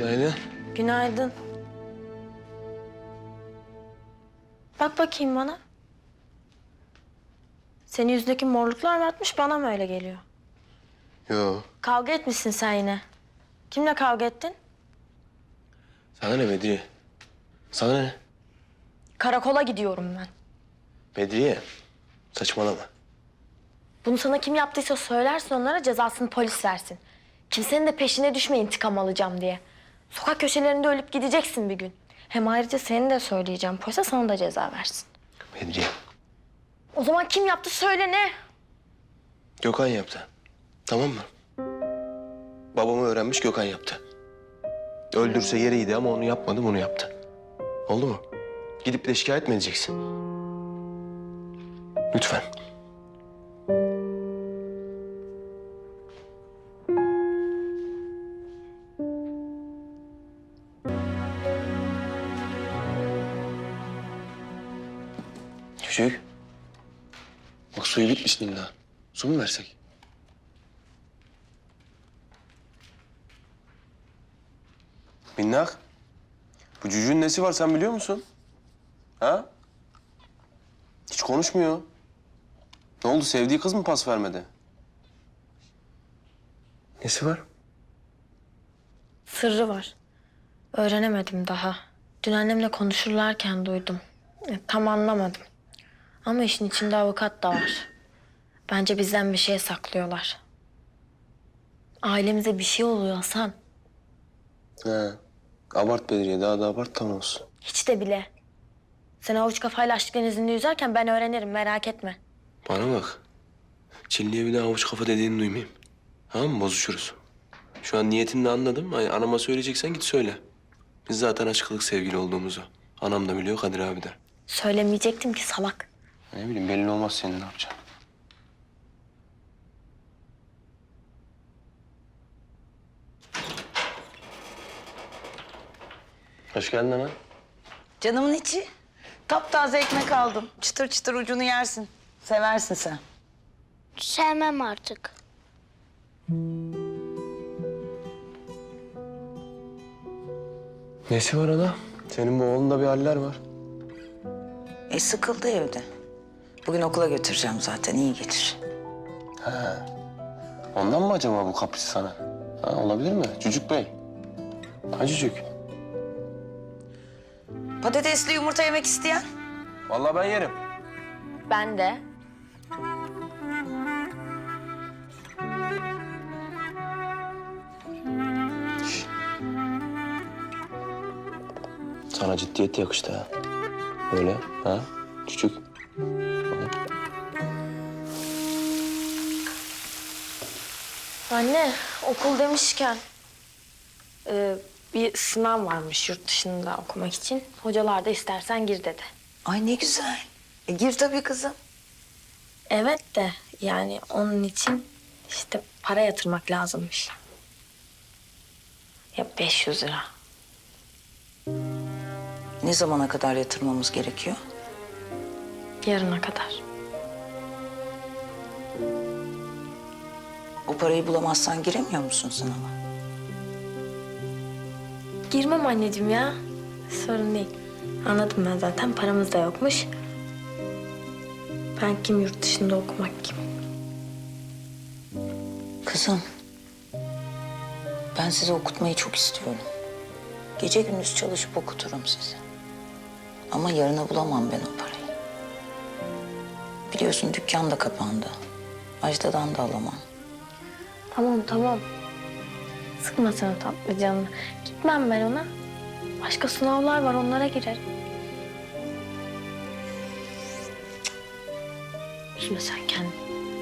Günaydın. Günaydın. Bak bakayım bana. Senin yüzündeki morluklar mı artmış, bana mı öyle geliyor? Yo. Kavga etmişsin sen yine. Kimle kavga ettin? Sana ne Bedriye? Sana ne? Karakola gidiyorum ben. Bedriye. Saçmalama. Bunu sana kim yaptıysa söylersin, onlara cezasını polis versin. Kimsenin de peşine düşme intikam alacağım diye. Sokak köşelerinde ölüp gideceksin bir gün. Hem ayrıca seni de söyleyeceğim polise, sana da ceza versin. Bedriye. O zaman kim yaptı söyle, ne? Gökhan yaptı. Tamam mı? Babamı öğrenmiş, Gökhan yaptı. Öldürse yeriydi ama onu yapmadı, bunu yaptı. Oldu mu? Gidip de şikayet mi edeceksin? Lütfen. Çocuk. Bak suyu bitmiş Nilda. Su mu versek? Minnak. Bu cücüğün nesi var sen biliyor musun? Ha? Hiç konuşmuyor. Ne oldu, sevdiği kız mı pas vermedi? Nesi var? Sırrı var. Öğrenemedim daha. Dün annemle konuşurlarken duydum. Tam anlamadım. Ama işin içinde avukat da var. Bence bizden bir şey saklıyorlar. Ailemize bir şey oluyor Hasan. He. Abart Bedriye, daha da abart tam olsun. Hiç de bile. Sen avuç kafayla açlık denizinde yüzerken ben öğrenirim, merak etme. Bana bak. Çinli'ye bir daha avuç kafa dediğini duymayayım. Tamam mı? Bozuşuruz. Şu an niyetini de anladım. Ay, anama söyleyeceksen git söyle. Biz zaten açıklık sevgili olduğumuzu. Anam da biliyor, Kadir abi de. Söylemeyecektim ki salak. Ne bileyim, belli olmaz senin ne yapacaksın. Hoş geldin ana. Canımın içi. Taptaze ekmek aldım. Çıtır çıtır ucunu yersin. Seversin sen. Sevmem artık. Nesi var ana? Senin bu oğlunda bir haller var. Sıkıldı evde. Bugün okula götüreceğim zaten. İyi gelir. Ondan mı acaba bu kapris sana? Ha, olabilir mi? Cücük Bey. Ha Cücük. Patatesli yumurta yemek isteyen? Vallahi ben yerim. Ben de. Sana ciddiyet yakıştı ha. Öyle ha? Cücük. Anne, okul demişken... bir sınav varmış yurt dışında okumak için. Hocalar da istersen gir dedi. Ay ne güzel. Gir tabii kızım. Evet de yani onun için işte para yatırmak lazımmış. Ya 500 lira. Ne zamana kadar yatırmamız gerekiyor? Yarına kadar. O parayı bulamazsan giremiyor musun sınava? Girmem anneciğim ya. Sorun değil. Anladım ben zaten, paramız da yokmuş. Ben kim yurt dışında okumak kim? Kızım, ben sizi okutmayı çok istiyorum. Gece gündüz çalışıp okuturum sizi. Ama yarına bulamam ben o parayı. Biliyorsun dükkan da kapandı. Ajda'dan da alamam. Tamam. Sıkma sen o tatlı canını. Gitmem ben ona. Başka sınavlar var, onlara girerim. Cık. Üzme sen kendini.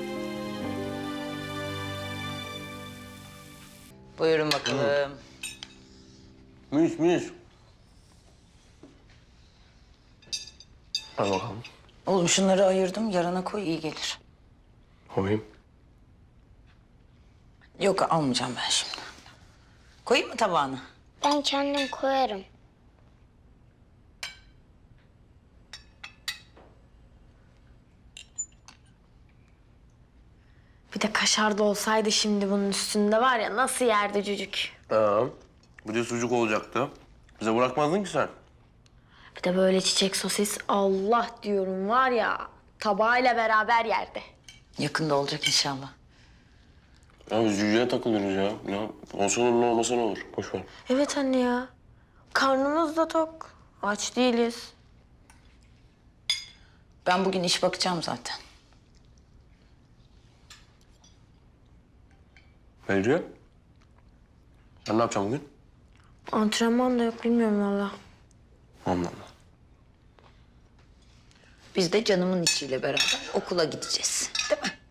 Buyurun bakalım. Müs. Al bakalım. Oğlum şunları ayırdım, yarına koy iyi gelir. Koyayım. Yok almayacağım ben şimdi. Koyayım mı tabağına? Ben kendim koyarım. Bir de kaşar da olsaydı şimdi bunun üstünde var ya, nasıl yerdi cücük. Tamam. Bir de sucuk olacaktı. Bize bırakmazdın ki sen. Bir de böyle çiçek sosis Allah diyorum var ya tabağıyla beraber yerde. Yakında olacak inşallah. Ya biz cüceye takılıyoruz ya. Ya olsa olur, olmasa ne olur. Boş ver. Evet anne ya. Karnımız da tok. Aç değiliz. Ben bugün iş bakacağım zaten. Bedriye. Sen ne yapacaksın bugün? Antrenman da yok bilmiyorum valla. Allah Allah. Biz de canımın içiyle beraber okula gideceğiz. Değil mi?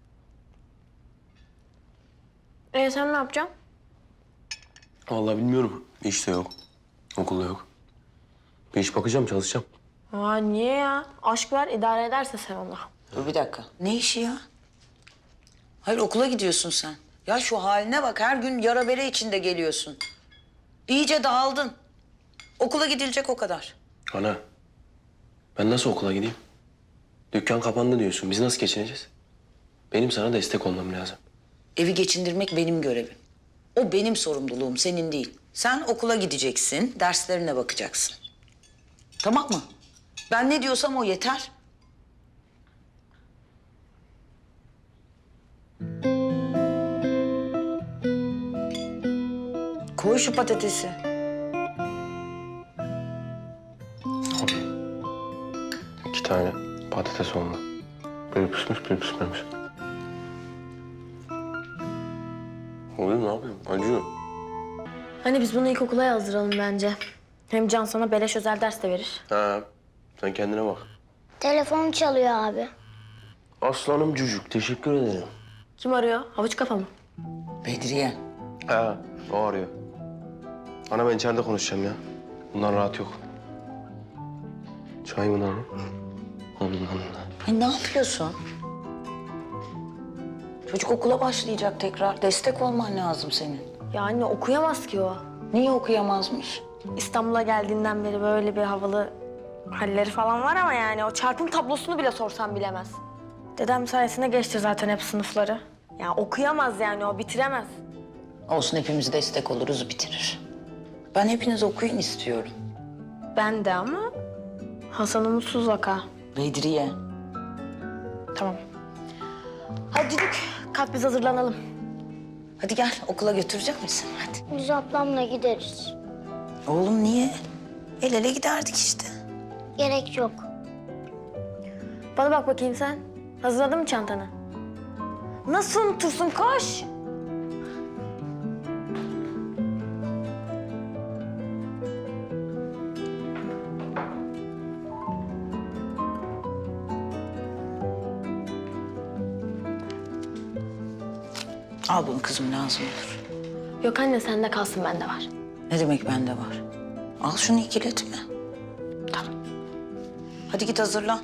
Sen ne yapacaksın? Vallahi bilmiyorum. İş de yok. Okulda yok. Bir iş bakacağım, çalışacağım. Aa niye ya? Aşk var idare ederse sen ona. Dur bir dakika. Ne işi ya? Hayır okula gidiyorsun sen. Ya şu haline bak her gün yara bere içinde geliyorsun. İyice dağıldın. Okula gidilecek o kadar. Ana, ben nasıl okula gideyim? Dükkan kapandı diyorsun. Biz nasıl geçineceğiz? Benim sana destek olmam lazım. Evi geçindirmek benim görevim. O benim sorumluluğum, senin değil. Sen okula gideceksin, derslerine bakacaksın. Tamam mı? Ben ne diyorsam o yeter. Koy şu patatesi. İki tane patates oldu. Biri pişmiş, biri pişmemiş. Oğlum ne yapayım? Acıyor. Hani biz bunu ilkokula yazdıralım bence. Hem Can sana beleş özel ders de verir. Ha, sen kendine bak. Telefon çalıyor abi. Aslanım cücük, teşekkür ederim. Kim arıyor? Havuç kafa mı? Bedriye. Ha, o arıyor. Ana ben içeride konuşacağım ya. Bundan rahat yok. Çay mı lan? Allah. Ay ne yapıyorsun? Çocuk okula başlayacak tekrar. Destek olman lazım senin. Ya anne okuyamaz ki o. Niye okuyamazmış? İstanbul'a geldiğinden beri böyle bir havalı halleri falan var ama yani o çarpım tablosunu bile sorsam bilemez. Dedem sayesinde geçti zaten hep sınıfları. Ya okuyamaz yani o bitiremez. Olsun hepimiz destek oluruz bitirir. Ben hepiniz okuyun istiyorum. Ben de ama Hasan umutsuz vaka. Bedriye. Tamam. Hadi Düdük kalk biz hazırlanalım. Hadi gel okula götürecek misin? Hadi. Biz ablamla gideriz. Oğlum niye? El ele giderdik işte. Gerek yok. Bana bak bakayım sen. Hazırladın mı çantanı? Nasıl unutursun koş. Al bunu kızım lazım olur. Yok anne sende kalsın bende var. Ne demek bende var? Al şunu ikiletme. Tamam. Hadi git hazırlan.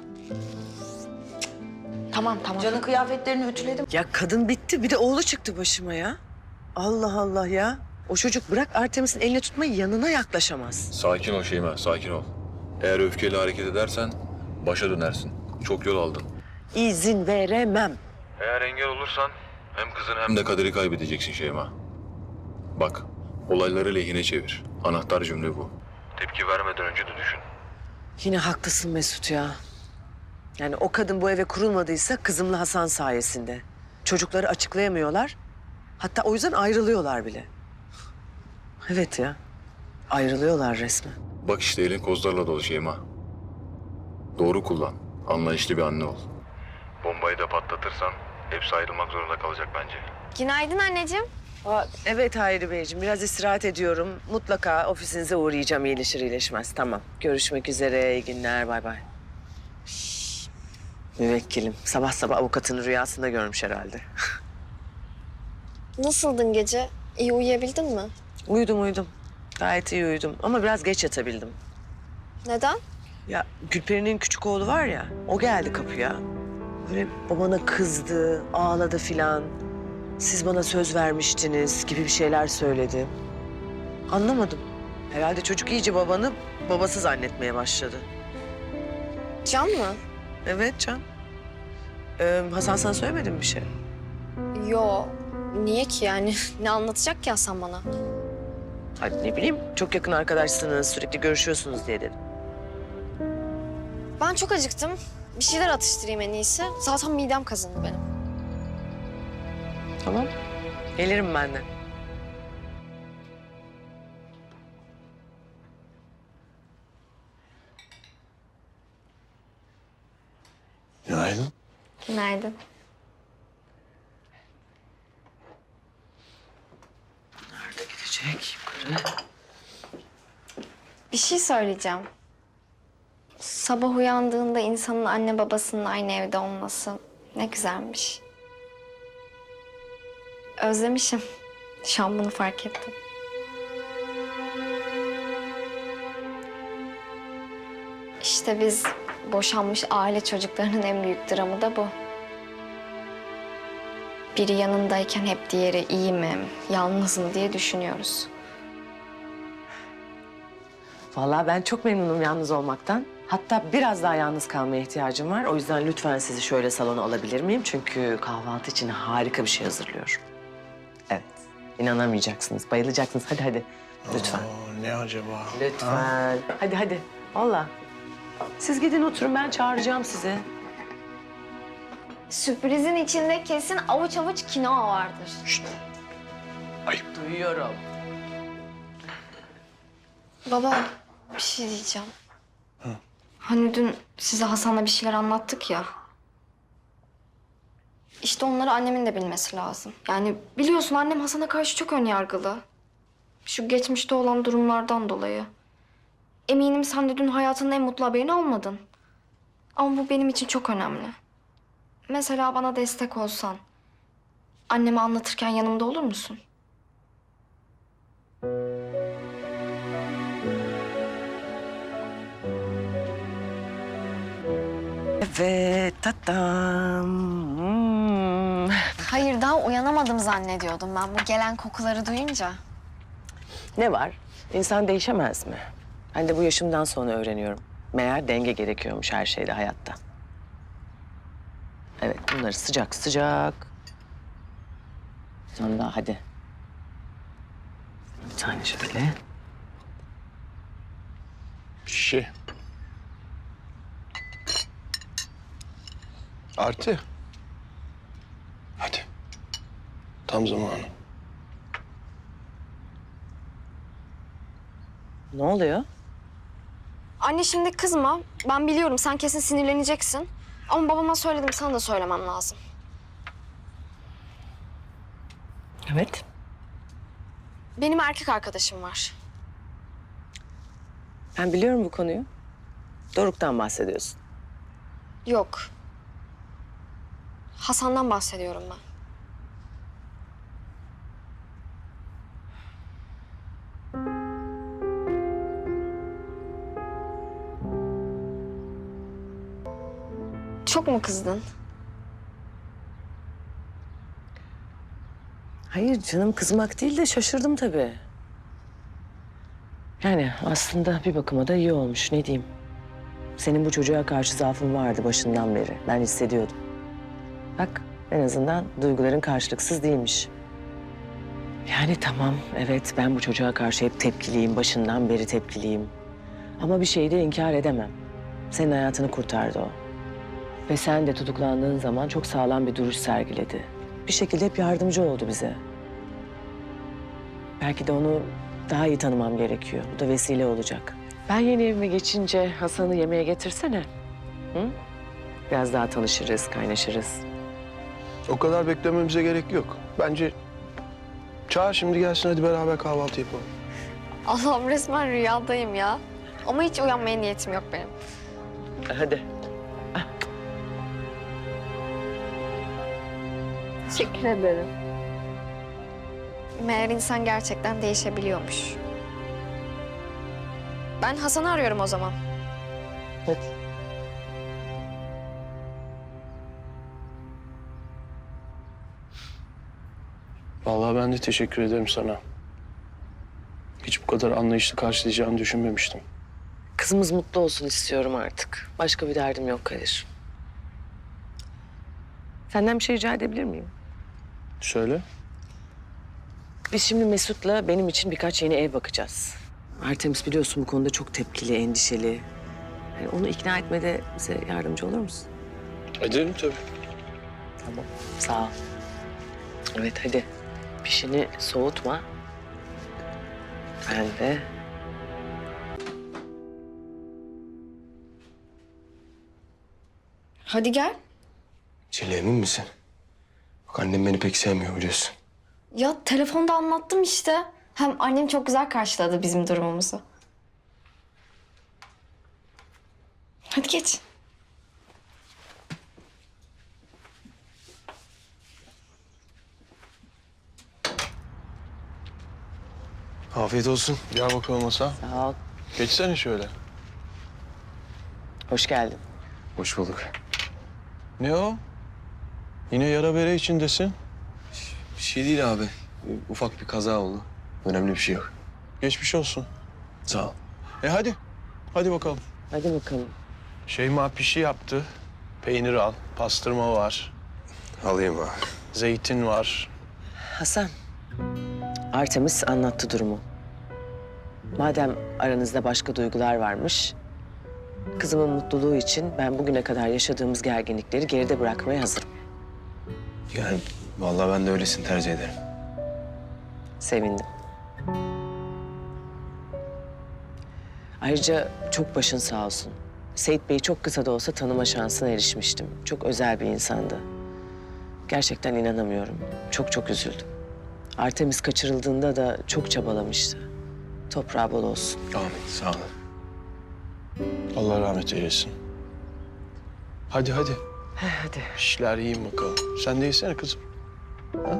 Tamam tamam. Can'ın kıyafetlerini ütüledim. Ya kadın bitti bir de oğlu çıktı başıma ya. Allah Allah ya. O çocuk bırak Artemis'in elini tutmayı yanına yaklaşamaz. Sakin ol Şeyma, sakin ol. Eğer öfkeyle hareket edersen başa dönersin. Çok yol aldın. İzin veremem. Eğer engel olursan hem kızın hem de Kadir'i kaybedeceksin Şeyma. Bak, olayları lehine çevir. Anahtar cümle bu. Tepki vermeden önce de düşün. Yine haklısın Mesut ya. Yani o kadın bu eve kurulmadıysa kızımla Hasan sayesinde. Çocukları açıklayamıyorlar. Hatta o yüzden ayrılıyorlar bile. Evet ya. Ayrılıyorlar resmen. Bak işte elin kozlarla dolu Şeyma. Doğru kullan. Anlayışlı bir anne ol. Bombayı da patlatırsan hepsi ayrılmak zorunda kalacak bence. Günaydın anneciğim. Evet Hayri Beyciğim biraz istirahat ediyorum. Mutlaka ofisinize uğrayacağım iyileşir iyileşmez. Tamam. Görüşmek üzere. İyi günler. Bay bay. Müvekkilim. Sabah sabah avukatını rüyasında görmüş herhalde. Nasıldın gece? İyi uyuyabildin mi? Uyudum. Gayet iyi uyudum ama biraz geç yatabildim. Neden? Ya Gülperi'nin küçük oğlu var ya, o geldi kapıya. Böyle babana kızdı, ağladı filan. Siz bana söz vermiştiniz gibi bir şeyler söyledi. Anlamadım. Herhalde çocuk iyice babanı babası zannetmeye başladı. Can mı? Evet Can. Hasan sana söylemedi mi bir şey? Yo. Niye ki yani? Ne anlatacak ki Hasan bana? Hadi ne bileyim, çok yakın arkadaşsınız, sürekli görüşüyorsunuz diye dedim. Ben çok acıktım. Bir şeyler atıştırayım en iyisi. Zaten midem kazındı benim. Tamam, gelirim ben de. Günaydın. Günaydın. Nerede gidecek yukarı? Bir şey söyleyeceğim. Sabah uyandığında insanın anne babasının aynı evde olması ne güzelmiş. Özlemişim. Şu an bunu fark ettim. İşte biz boşanmış aile çocuklarının en büyük dramı da bu. Biri yanındayken hep diğeri iyi mi, yalnız mı diye düşünüyoruz. Vallahi ben çok memnunum yalnız olmaktan. Hatta biraz daha yalnız kalmaya ihtiyacım var. O yüzden lütfen sizi şöyle salona alabilir miyim? Çünkü kahvaltı için harika bir şey hazırlıyorum. Evet, inanamayacaksınız, bayılacaksınız. Hadi hadi, lütfen. Ne acaba? Lütfen. Hadi hadi, vallahi. Siz gidin oturun, ben çağıracağım sizi. Sürprizin içinde kesin avuç avuç kinoa vardır. Duyuyorum. Baba, bir şey diyeceğim. Hani dün size Hasan'la bir şeyler anlattık ya. İşte onları annemin de bilmesi lazım. Yani biliyorsun annem Hasan'a karşı çok önyargılı. Şu geçmişte olan durumlardan dolayı. Eminim sen de dün hayatının en mutlu haberini almadın. Ama bu benim için çok önemli. Mesela bana destek olsan, anneme anlatırken yanımda olur musun? Evet, tatam. Hayır, daha uyanamadım zannediyordum ben bu gelen kokuları duyunca. Ne var? İnsan değişemez mi? Ben de bu yaşımdan sonra öğreniyorum. Meğer denge gerekiyormuş her şeyde hayatta. Evet, bunları sıcak sıcak. Sen daha hadi. Bir tane şöyle. Şişe. Artı. Hadi. Tam zamanı. Ne oluyor? Anne şimdi kızma. Ben biliyorum sen kesin sinirleneceksin. Ama babama söyledim, sana da söylemem lazım. Evet. Benim erkek arkadaşım var. Ben biliyorum bu konuyu. Doruk'tan bahsediyorsun. Yok. Hasan'dan bahsediyorum ben. Çok mu kızdın? Hayır canım, kızmak değil de şaşırdım tabii. Yani aslında bir bakıma da iyi olmuş, ne diyeyim. Senin bu çocuğa karşı zaafın vardı başından beri. Ben hissediyordum. Bak, en azından duyguların karşılıksız değilmiş. Yani tamam, evet ben bu çocuğa karşı hep tepkiliyim, başından beri tepkiliyim. Ama bir şeyi de inkar edemem. Senin hayatını kurtardı o. Ve sen de tutuklandığın zaman çok sağlam bir duruş sergiledi. Bir şekilde hep yardımcı oldu bize. Belki de onu daha iyi tanımam gerekiyor. Bu da vesile olacak. Ben yeni evime geçince Hasan'ı yemeğe getirsene. Hı? Biraz daha tanışırız, kaynaşırız. O kadar beklememize gerek yok. Bence çağır şimdi gelsin, hadi beraber kahvaltı yapalım. Allah'ım, resmen rüyadayım ya. Ama hiç uyanmaya niyetim yok benim. Hadi. Teşekkür ederim. Meğer insan gerçekten değişebiliyormuş. Ben Hasan'ı arıyorum o zaman. Hadi. Vallahi ben de teşekkür ederim sana. Hiç bu kadar anlayışlı karşılayacağını düşünmemiştim. Kızımız mutlu olsun istiyorum artık. Başka bir derdim yok Kadir. Senden bir şey rica edebilir miyim? Söyle. Biz şimdi Mesut'la benim için birkaç yeni ev bakacağız. Artemis biliyorsun bu konuda çok tepkili, endişeli. Yani onu ikna etmede bize yardımcı olur musun? Ederim tabii. Tamam, sağ ol. Evet hadi. Pişini soğutma. Ben de... Hadi gel. Çilli emin misin? Bak annem beni pek sevmiyor biliyorsun. Ya telefonda anlattım işte. Hem annem çok güzel karşıladı bizim durumumuzu. Hadi geç. Afiyet olsun. Gel bakalım Hasan. Sağ ol. Geçsene şöyle. Hoş geldin. Hoş bulduk. Ne o? Yine yara bere içindesin. Bir şey değil abi. Ufak bir kaza oldu. Önemli bir şey yok. Geçmiş olsun. Sağ ol. Hadi. Hadi bakalım. Hadi bakalım. Şeyma pişi yaptı. Peynir al. Pastırma var. Alayım abi. Zeytin var. Hasan, Artemis anlattı durumu. Madem aranızda başka duygular varmış, kızımın mutluluğu için ben bugüne kadar yaşadığımız gerginlikleri geride bırakmaya hazırım. Yani vallahi ben de öylesini tercih ederim. Sevindim. Ayrıca çok başın sağ olsun. Seyit Bey'i çok kısa da olsa tanıma şansına erişmiştim. Çok özel bir insandı. Gerçekten inanamıyorum. Çok çok üzüldüm. Artemis kaçırıldığında da çok çabalamıştı. Toprağı bol olsun. Amin. Sağ olun. Allah rahmet eylesin. Hadi hadi. Hadi. İşler yiyin bakalım. Sen de yesene kızım. Ha?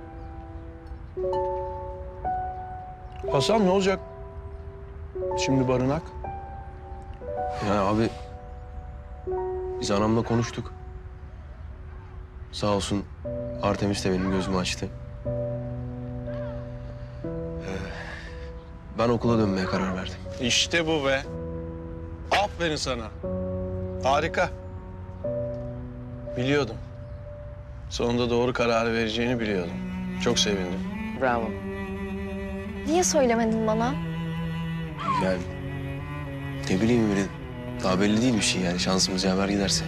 Hasan ne olacak? Şimdi barınak. Ya abi biz anamla konuştuk. Sağ olsun Artemis de benim gözümü açtı. Ben okula dönmeye karar verdim. İşte bu be. Aferin sana. Harika. Biliyordum. Sonunda doğru kararı vereceğini biliyordum. Çok sevindim. Bravo. Niye söylemedin bana? Yani ne bileyim öyle daha belli değil bir şey yani şansımız yaver giderse.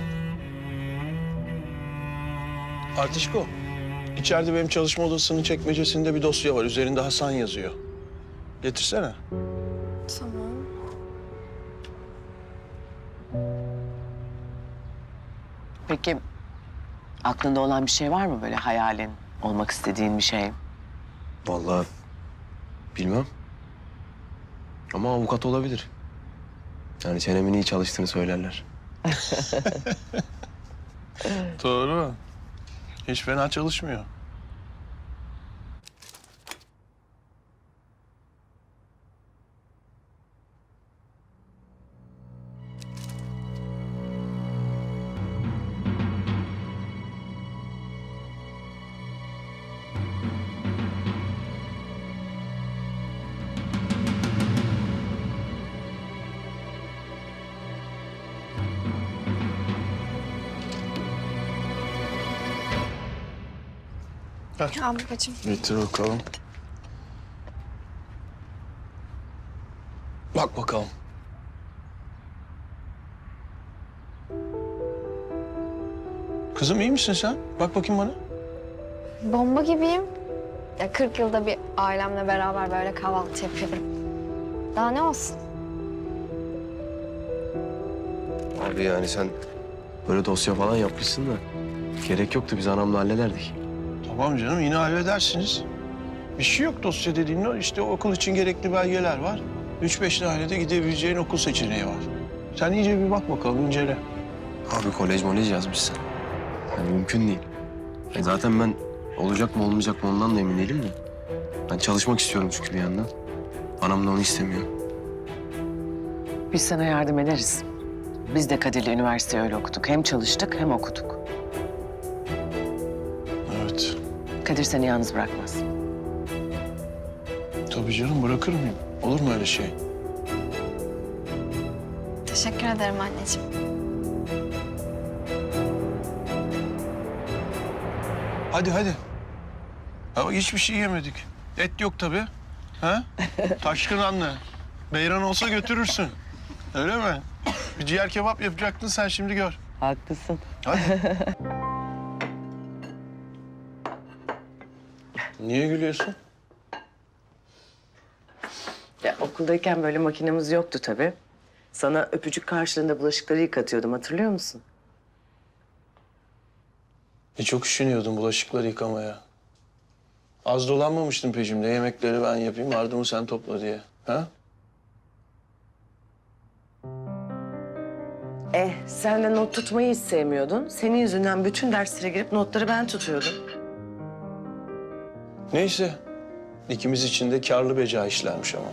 Artişko, içeride benim çalışma odasının çekmecesinde bir dosya var. Üzerinde Hasan yazıyor. Getirsene. Tamam. Peki aklında olan bir şey var mı böyle hayalin, olmak istediğin bir şey? Vallahi bilmem. Ama avukat olabilir. Yani çenemin iyi çalıştığını söylerler. Doğru. Hiç fena çalışmıyor. Ya babacığım. Getir bakalım. Bak bakalım. Kızım iyi misin sen? Bak bakayım bana. Bomba gibiyim. Ya 40 yılda bir ailemle beraber böyle kahvaltı yapıyorum. Daha ne olsun? Abi yani sen böyle dosya falan yapmışsın da gerek yoktu biz anamla hallederdik. Tamam canım yine halledersiniz. Bir şey yok dosya dediğin o. İşte okul için gerekli belgeler var. 3-5 tane de gidebileceğin okul seçeneği var. Sen iyice bir bak bakalım, incele. Abi kolej yazmışsın. Yani mümkün değil. Zaten ben olacak mı olmayacak mı ondan da emin değilim de. Ben çalışmak istiyorum çünkü bir yandan. Anam da onu istemiyor. Biz sana yardım ederiz. Biz de Kadir'le üniversiteyi öyle okuduk. Hem çalıştık hem okuduk. Evet. Kadir seni yalnız bırakmaz. Tabii canım, bırakır mıyım? Olur mu öyle şey? Teşekkür ederim anneciğim. Hadi hadi. Ha, bak hiçbir şey yemedik. Et yok tabii. Ha? Taşkın anne. Beyran olsa götürürsün. Öyle mi? Bir ciğer kebap yapacaktın sen şimdi gör. Haklısın. Hadi. Niye gülüyorsun? Ya, okuldayken böyle makinemiz yoktu tabii. Sana öpücük karşılığında bulaşıkları yıkatıyordum, hatırlıyor musun? Çok üşeniyordum bulaşıkları yıkamaya. Az dolanmamıştın peşimde. Yemekleri ben yapayım, ardımı sen topla diye. Ha? Sen de not tutmayı hiç sevmiyordun. Senin yüzünden bütün derslere girip notları ben tutuyordum. Neyse. İkimiz için de karlı beca işlermiş ama.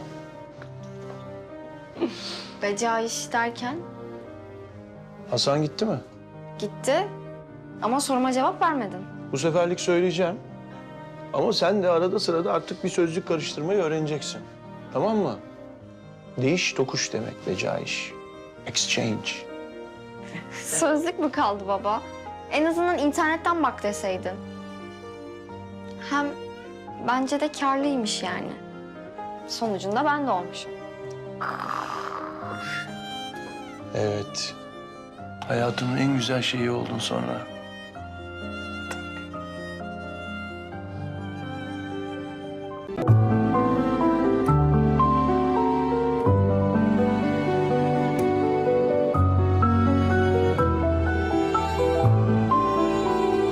Beca iş derken Hasan gitti mi? gitti ama soruma cevap vermedin. Bu seferlik söyleyeceğim. Ama sen de arada sırada artık bir sözcük karıştırmayı öğreneceksin. Tamam mı? Değiş tokuş demek beca iş. Exchange. Sözlük mü kaldı baba? En azından internetten bak deseydin. Hem bence de karlıymış yani. Sonucunda ben de olmuşum. Evet. Hayatımın en güzel şeyi oldun sonra.